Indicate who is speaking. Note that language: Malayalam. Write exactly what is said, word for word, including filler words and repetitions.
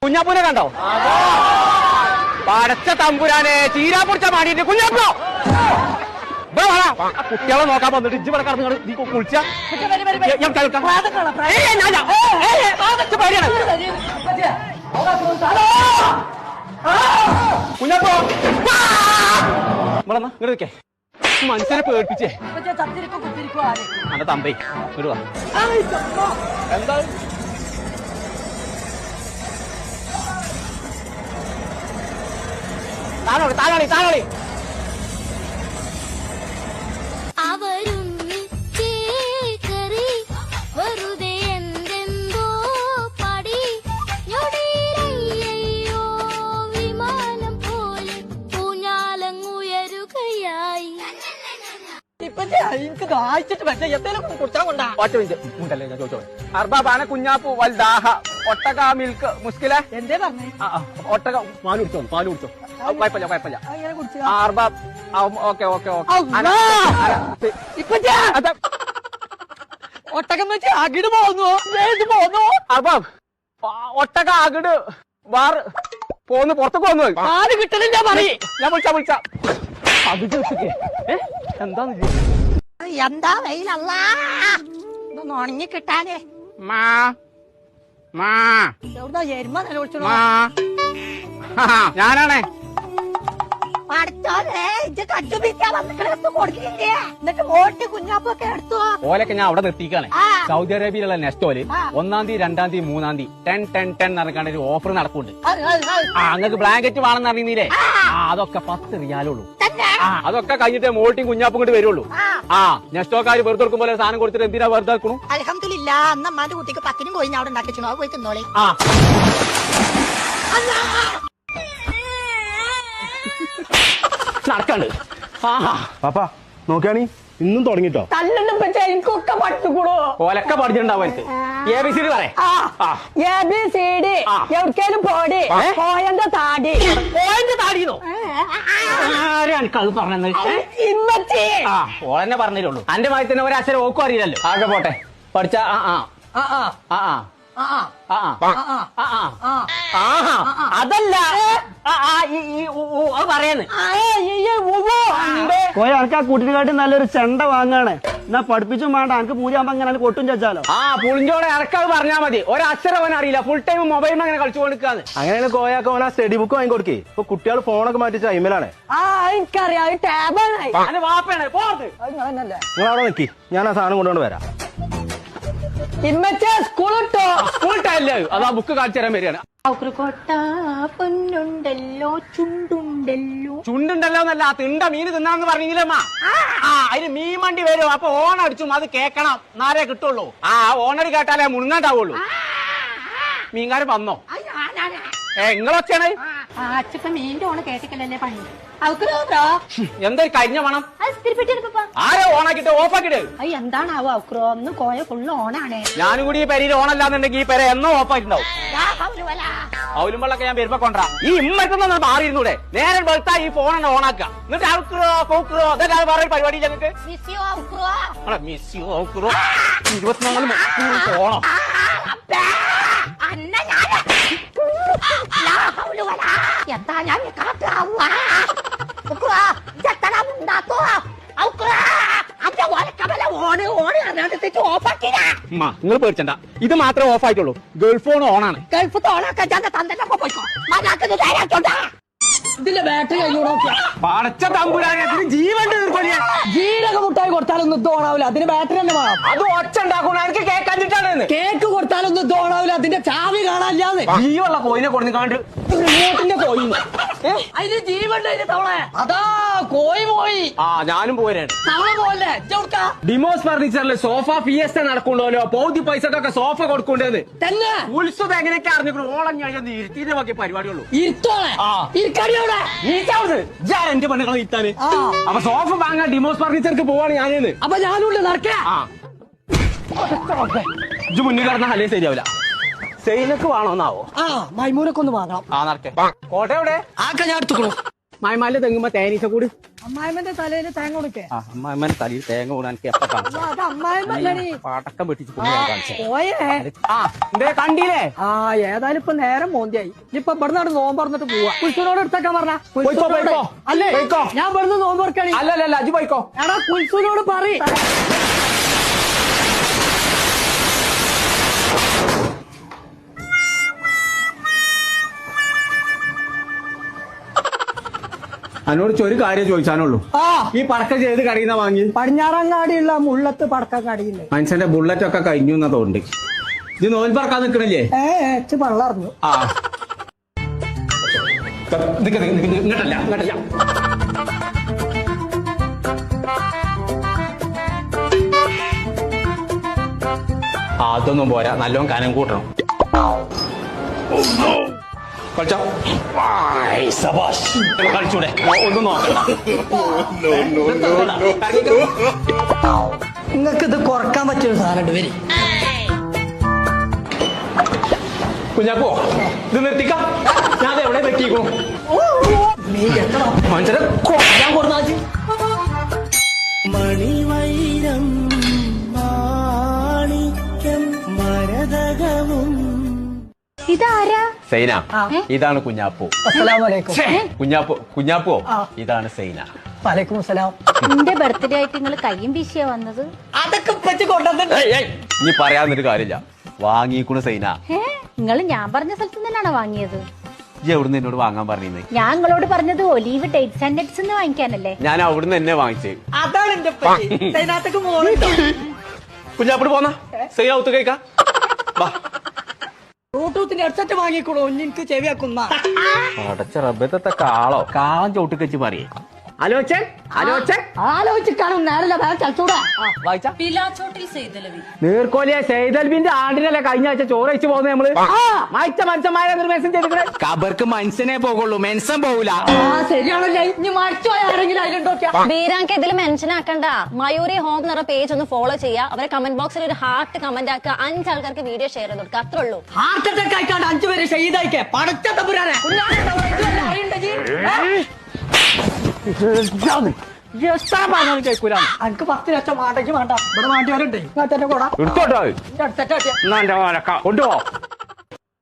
Speaker 1: കുഞ്ഞാപ്പൂനെ കണ്ടോ? പടച്ച തമ്പുരാനെ ചീരാ പൊടിച്ച മാടിയിട്ട് കുഞ്ഞാപ്പോ കുട്ടികളെ നോക്കാൻ വന്നിട്ട് ഇജ്ജ് ഇവിടെ കടന്നു നീ കുളിച്ച കുഞ്ഞാപ്പോ ഇവിടെ ഇങ്ങോട്ടേ മനുഷ്യനെ പേടിപ്പിച്ചേ അന്റെ തമ്പേ ഇടുവാ എന്താ താനോളി താനോളി താനോളി അർബാബാന കുഞ്ഞാപ്പൂ വൽദാഹ ഒട്ടക മിൽക്ക് മുസ്കില എന്തേ പറഞ്ഞു ഒട്ടക പാല് കുടിച്ചോ പാല് കുടിച്ചോ കുഴപ്പമില്ല കുഴപ്പമില്ല അർബാബ് ഓക്കെ ഓക്കെ ഓക്കെ ഒട്ടകം വെച്ച് അകിട് പോന്നു പോന്നു അർബാബ് ഒട്ടക അകിട് വാറ് പോന്ന് പുറത്തേക്ക് വന്നു പാല് കിട്ടണില്ല പറയും ഞാൻ വിളിച്ച വിളിച്ച അത് എന്താന്ന്
Speaker 2: എന്താ വെയിലല്ല ഇതൊന്ന് ഉണങ്ങി കിട്ടാനേ എവിടുന്നാ എരുമ നിലവിളിച്ചോ
Speaker 1: ഞാനാണേ ഓലൊക്കെ ഞാൻ അവിടെ നിർത്തിക്കാണ്. സൗദി അറേബ്യയിലുള്ള നെസ്റ്റോല് ഒന്നാം തീയതി രണ്ടാം തീയതി മൂന്നാം തീയതി ടെൻ ടെൻ ടെൻ നടക്കാണ്ട് ഒരു ഓഫർ നടക്കുന്നുണ്ട്. ആ അങ്ങക്ക് ബ്ലാങ്കറ്റ് വേണമെന്ന് അറിയുന്നില്ലേ? ആ അതൊക്കെ പത്ത് റിയാലുള്ളൂ. ആ അതൊക്കെ കഴിഞ്ഞിട്ട് മോൾട്ടിയും കുഞ്ഞാപ്പും കൊണ്ട് വരുള്ളൂ. ആ നെസ്റ്റോക്കാര് വെറുതെ കൊടുക്കും പോലെ സാധനം കൊടുത്തിട്ട് എന്തിനാ വെറുതെ ആക്കണു?
Speaker 2: അൽഹംദുലില്ലാ അന്നമ്മാന്റെ കുട്ടിക്ക് പത്തിനും പോയി അവിടെ ഉണ്ടാക്കിച്ചു പോയി തിന്നോളി.
Speaker 1: ആ നടക്കാണ്ട്
Speaker 3: പാപ്പാ നോക്കിയാണി ഇന്നും തുടങ്ങിട്ടോ
Speaker 2: എനിക്കൊക്കെ പഠിച്ചുകൂടോ
Speaker 1: ഓലൊക്കെ പഠിച്ചിട്ടുണ്ടാവും എനിക്ക്. എ ബി സി ഡി പറ
Speaker 2: എ ബി സി ഡി എവിടേലും പോടി പോയന്റെ താടി
Speaker 1: പോയന്റെ താടിന്നോ എനിക്കത് പറഞ്ഞത്
Speaker 2: ഇമ്മച്ചി
Speaker 1: ആ ഓളെന്നെ പറഞ്ഞിട്ടുള്ളൂ. അന്റെ മാതിരി തന്നെ ഒരക്ഷരം ഓക്കും അറിയില്ലല്ലോ. ആകെ പോട്ടെ പഠിച്ച ആ ആ ആ അതല്ല പറയാന്ന്
Speaker 4: കോയ എനിക്ക് ആ കുട്ടിനെക്കാട്ടി നല്ലൊരു ചെണ്ട വാങ്ങാണ്. എന്നാ പഠിപ്പിച്ചും വേണ്ട എനിക്ക് പൂജ ആകുമ്പോ അങ്ങനെ കൊട്ടും ചാച്ചാലോ.
Speaker 1: ആ പുളിഞ്ചോടെ ഇറക്കാത് പറഞ്ഞാൽ മതി. ഒരക്ഷരം അവൻ അറിയില്ല. ഫുൾ ടൈം മൊബൈലിൽ അങ്ങനെ കളിച്ചു കൊടുക്കാന്ന്.
Speaker 3: അങ്ങനെയാണ് കോയാക്ക് ഓന സ്റ്റഡി ബുക്ക് വാങ്ങി കൊടുക്കേ. ഇപ്പൊ കുട്ടികൾ ഫോണൊക്കെ മാറ്റിച്ച അയിമലാണ്.
Speaker 2: ആ എനിക്കറിയാം
Speaker 1: അന്റെ വാപ്പയാണ് പോർത്ത്.
Speaker 3: നിങ്ങൾ അവിടെ നിക്കി ഞാൻ ആ സാധനം കൊണ്ടുകൊണ്ട് വരാം.
Speaker 2: ഇമ്മച്ചേ സ്കൂളിട്ടോ
Speaker 1: സ്കൂളിട്ടല്ലേ അതാ ബുക്ക് കാണിച്ചു തരാൻ വരികയാണ്.
Speaker 2: പൊന്നുണ്ടല്ലോ ചുണ്ടുണ്ടല്ലോ
Speaker 1: ചുണ്ടുണ്ടല്ലോ എന്നല്ല തിണ്ട മീന് തിന്നാന്ന് പറഞ്ഞില്ലമ്മ. ആ അതിന് മീൻ വണ്ടി വരും. അപ്പൊ ഓൺ അടിച്ചും അത് കേക്കണം എന്നാലേ കിട്ടുള്ളൂ. ആ ഓണടി കേട്ടാലേ മുങ്ങാണ്ടാവുള്ളൂ. മീൻകാരൻ വന്നോ? ഏ നിങ്ങളൊക്കെയാണ്
Speaker 2: അച്ഛപ്പ മീൻ്റെ ഓണ് കേട്ടിക്കല്ലേ പണി.
Speaker 1: എന്താ കഴിഞ്ഞ പണം ആരോ ഓണാക്കിട്ട് ഓഫാക്കിട്ട്
Speaker 2: എന്താണാവോ ഔക്രോ ഒന്ന് കോയ ഫുള്ള് ഓണാണേ.
Speaker 1: ഞാനും കൂടി ഈ പെരയിൽ ഓണല്ലാന്നുണ്ടെങ്കിൽ ഈ പെര എന്നോ ഓഫായിട്ടുണ്ടാവും. അവലുമ്പോഴൊക്കെ ഞാൻ വരുമ്പോ കൊണ്ടാ ഈ ഇമ്മറ്റൊന്നും മാറിയിരുന്നൂടെ? നേരെ വെളുത്താ ഈ ഫോണെന്നെ ഓണാക്കുക. എന്നിട്ട് ഔക്രോ പൗക്രോ അതൊക്കെ വേറെ പരിപാടി ഞങ്ങൾക്ക് ഇരുപത്തിനാല് മണിക്കൂർ ഓണം.
Speaker 2: എന്താ ഞാൻ
Speaker 1: നിങ്ങൾ പേടിച്ചണ്ട. ഇത് മാത്രമേ ഓഫ് ആയിട്ടുള്ളൂ. ഗൾഫ് ഫോൺ ഓണാണ്.
Speaker 2: ഗൾഫ് ഓണാക്കാൻ തന്നെ പോയിക്കോ. ഇതിന്റെ ബാറ്ററി
Speaker 1: പടച്ച തമ്പുരാനത്തിന് ജീവൻ
Speaker 4: ജീരക മുട്ടായി കൊടുത്താലൊന്നും ഇത് ഓണാവില്ല. അതിന് ബാറ്ററി തന്നെ വേണം.
Speaker 1: അത് ഒച്ച ഉണ്ടാക്കണം. എനിക്ക് കേക്ക് കണ്ടിട്ടാണ്.
Speaker 4: കേക്ക് കൊടുത്താലൊന്നും ഇത് ഓണാവില്ല. അതിന്റെ ചാവി കാണാനില്ലാന്ന്.
Speaker 1: ജീവുള്ള കോയിനെ കൊടുത്ത് കാണ്ട് റിമോട്ടിന്റെ കോയി
Speaker 4: അതിന് ജീവണ്ട തവളെ. അതാ കോയി പോയി.
Speaker 1: ആ ഞാനും പോരാണ്.
Speaker 4: തവള പോലെ
Speaker 1: ഡിമോസ് ഫർണിച്ചറിൽ സോഫ ഫിയസ്റ്റ നടക്കുന്നുണ്ടല്ലോ. പൗതി പൈസക്കൊക്കെ സോഫ കൊടുക്കണ്ടേന്ന്
Speaker 4: തന്നെ
Speaker 1: ഉത്സവം എങ്ങനെയൊക്കെ അറിഞ്ഞു. ഓളം ഞാൻ ഇരുത്തിന്റെ ബാക്കി പരിപാടിയുള്ളൂ.
Speaker 4: ഇരുത്തോളെ ഇരിക്കടിയോടെ
Speaker 1: എന്റെ പെണ്ണുകളെ ഇരുത്താന്. അപ്പൊ സോഫ വാങ്ങാൻ ഡിമോസ് ഫർണിച്ചർക്ക് പോവാണ് ഞാനേന്ന്.
Speaker 4: അപ്പൊ ഞാനുണ്ട് നടക്കേ.
Speaker 1: ഇത് മുന്നിൽ കിടന്ന അല്ലേ ശരിയാവില്ല. സെയിലൊക്കെ വേണോന്നാവോ?
Speaker 4: ആ മൈമൂനൊക്കെ ഒന്ന് വാങ്ങണം.
Speaker 1: ആ നടക്കേ. കോട്ട എവിടെ?
Speaker 4: ആക്കെ ഞാൻ എടുത്തുക്കണു.
Speaker 1: മൈമാലിന്റെ തെങ്ങുമ്പോ തേനീച്ച കൂടി
Speaker 2: അമ്മായിമ്മന്റെ തലയിൽ തേങ്ങ കൊടുക്കേ
Speaker 1: ആ അമ്മായിമ്മന്റെ തലയിൽ തേങ്ങ കൂടാൻ എനിക്ക് എപ്പോ കാണിച്ചു
Speaker 2: അത് അമ്മായിമ്മല്ലടി
Speaker 1: പടക്കം വെട്ടിച്ച് കൊണ്ടുപോയി കാണിച്ചു
Speaker 2: പോയേ
Speaker 1: ആ എന്തേ കണ്ടില്ലേ
Speaker 2: ആ ഏതായാലും ഇപ്പൊ നേരം മോന്തിയായി ഇനിയിപ്പൊ ഇവിടെ നിന്ന് നോമ്പ് പറഞ്ഞിട്ട് പോവാ കുൽസുനോട് എടുത്തേക്കാൻ പറഞ്ഞ
Speaker 1: പോയിക്കോ, പോയിക്കോ.
Speaker 2: അല്ലേ
Speaker 1: പോയിക്കോ.
Speaker 2: ഞാൻ ഇവിടുന്ന് നോമ്പ് തുറക്കണി
Speaker 1: അല്ലല്ല അജു പോയിക്കോ
Speaker 2: എടാ കുൽസുനോട് പറ
Speaker 1: എന്നോട് ഒരു കാര്യം ചോദിച്ചാനുള്ളൂ
Speaker 2: ആ
Speaker 1: ഈ പടക്കം ചെയ്ത് കടയിന്ന വാങ്ങി
Speaker 2: പടിഞ്ഞാറങ്ങാടിയുള്ള മുള്ളത്ത് പടക്കം കടിയില്ലേ
Speaker 1: മനുഷ്യന്റെ ബുള്ളറ്റ് ഒക്കെ കഴിഞ്ഞു എന്നാ തോന്നുന്നുണ്ട് ഇത് നോൽ പറക്കാൻ നിക്കണില്ലേ
Speaker 2: ഏ ഏച്ച് വെള്ളറിഞ്ഞു
Speaker 1: ആ നിക്ക, നിക്ക, നിക്ക, ഇങ്ങോട്ടല്ല ഇങ്ങോട്ടല്ല ആ, അതൊന്നും പോരാ നല്ലോണം കനം കൂട്ടണം കളിച്ചോ കളിച്ചൂടെ ഒന്നും നോക്കണ്ട
Speaker 2: നിങ്ങൾക്ക് ഇത് കുറക്കാൻ പറ്റിയൊരു സാധനം വരി
Speaker 1: കുഞ്ഞാപ്പോ ഇത് നിർത്തിക്കാം ഞാൻ എവിടെ വെട്ടിക്കോ മനുഷ്യരെ കൊല്ലാൻ കൊടുത്താച്ച്
Speaker 4: മണിവൈരം മാണിക്യം മരതകവും
Speaker 5: ഇതാരാ
Speaker 1: സൈന ഇതാണ് കുഞ്ഞാപ്പോ
Speaker 2: അസ്സലാമലൈക്കും
Speaker 1: കുഞ്ഞാപ്പോ കുഞ്ഞാപ്പോ ഇതാണ് സൈന
Speaker 2: വലൈക്കും അസ്സലാം
Speaker 5: എന്റെ ബർത്ത്ഡേ ആയിട്ട് നിങ്ങൾ കയ്യും വീശിയാ വന്നത്
Speaker 2: അതൊക്കെ വെച്ച് കൊണ്ടുവന്നിട്ട്
Speaker 1: ഇനി പറയാന്നൊരു കാര്യമില്ല വാങ്ങിക്കുണു സൈന
Speaker 5: ഏ നിങ്ങൾ ഞാൻ പറഞ്ഞ സ്ഥലത്ത് തന്നെയാണോ വാങ്ങിയത്
Speaker 1: ഈ എവിടുന്ന് എന്നോട് വാങ്ങാൻ പറഞ്ഞിരുന്നേ
Speaker 5: ഞാൻ നിങ്ങളോട് പറഞ്ഞത് ഒലീവ് ഡേറ്റ്സ് ആൻഡ് നട്ട്സ് എന്ന് വാങ്ങിക്കാനല്ലേ
Speaker 1: ഞാൻ അവിടുന്ന് എന്നെ വാങ്ങിച്ചേ
Speaker 2: അതാണ് എന്റെ അതിനകത്തേക്ക് മോളുണ്ടോ
Speaker 1: കുഞ്ഞാപ്പോട് പോന്ന സൈന ഒത്തു കഴിക്കാം വാ
Speaker 2: ബ്ലൂടൂത്തിന്റെ ഹെഡ്സെറ്റ് വാങ്ങിക്കോളൂ എനിക്ക് ചെവിയാക്കുന്ന
Speaker 1: അടച്ച റബ്ബത്തെ കാളോ കാളം ചോട്ട് വെച്ച് പറയേ ആലോചൻ ആലോചൻ
Speaker 2: ആലോചിക്കാനും നേരല്ല വേറെ ചലച്ചൂടാ
Speaker 1: വായിച്ച
Speaker 6: പിലാച്ചോട്ടിൽ സെയ്തലവി
Speaker 1: നീർക്കോലിയെ സെയ്തൽബിന്റെ ആണ്ടിനല്ലേ കഴിഞ്ഞ ആഴ്ച ചോറ് വെച്ച് പോകുന്നത് നമ്മള് മായിച്ച മനുഷ്യന്മാരെ നിർമ്മേശം ചെയ്തിട്ട് കബർക്ക് മനുഷ്യനെ പോകുള്ളൂ മെൻഷൻ പോകൂല
Speaker 2: ആ ശരിയാണല്ലേ ഇനി മരിച്ചു പോയ ആരെങ്കിലും അതിലുണ്ടോക്കിയാ
Speaker 7: ബീരാങ്ക് ഇതിൽ മെൻഷൻ ആക്കണ്ട മയൂരി ഹോം എന്ന പേജ് ഒന്ന് ഫോളോ ചെയ്യുക അവരെ കമന്റ് ബോക്സിൽ ഒരു ഹാർട്ട് കമന്റ് ആക്കുക അഞ്ച് ആൾക്കാർക്ക് വീഡിയോ ഷെയർ ചെയ്ത് കൊടുക്കുക അത്രേ ഉള്ളൂ
Speaker 2: ഹാർട്ട് അറ്റാക്ക് ആയിക്കാണ്ട് അഞ്ചു പേര് ഷെയ്തായിക്കേ പടച്ച തമ്പുരാനെ
Speaker 1: കേൾക്കൂല
Speaker 2: എനിക്ക് പത്ത് ലക്ഷം മാട്ടേക്ക് വേണ്ട ഇവിടെ മാണ്ടിയവരുണ്ടേ ഇങ്ങോട്ടെ കൂടാ
Speaker 1: എടുത്തോട്ടോ
Speaker 2: അടുത്തേക്ക്
Speaker 1: എന്നാ എന്റെ കൊണ്ടുപോ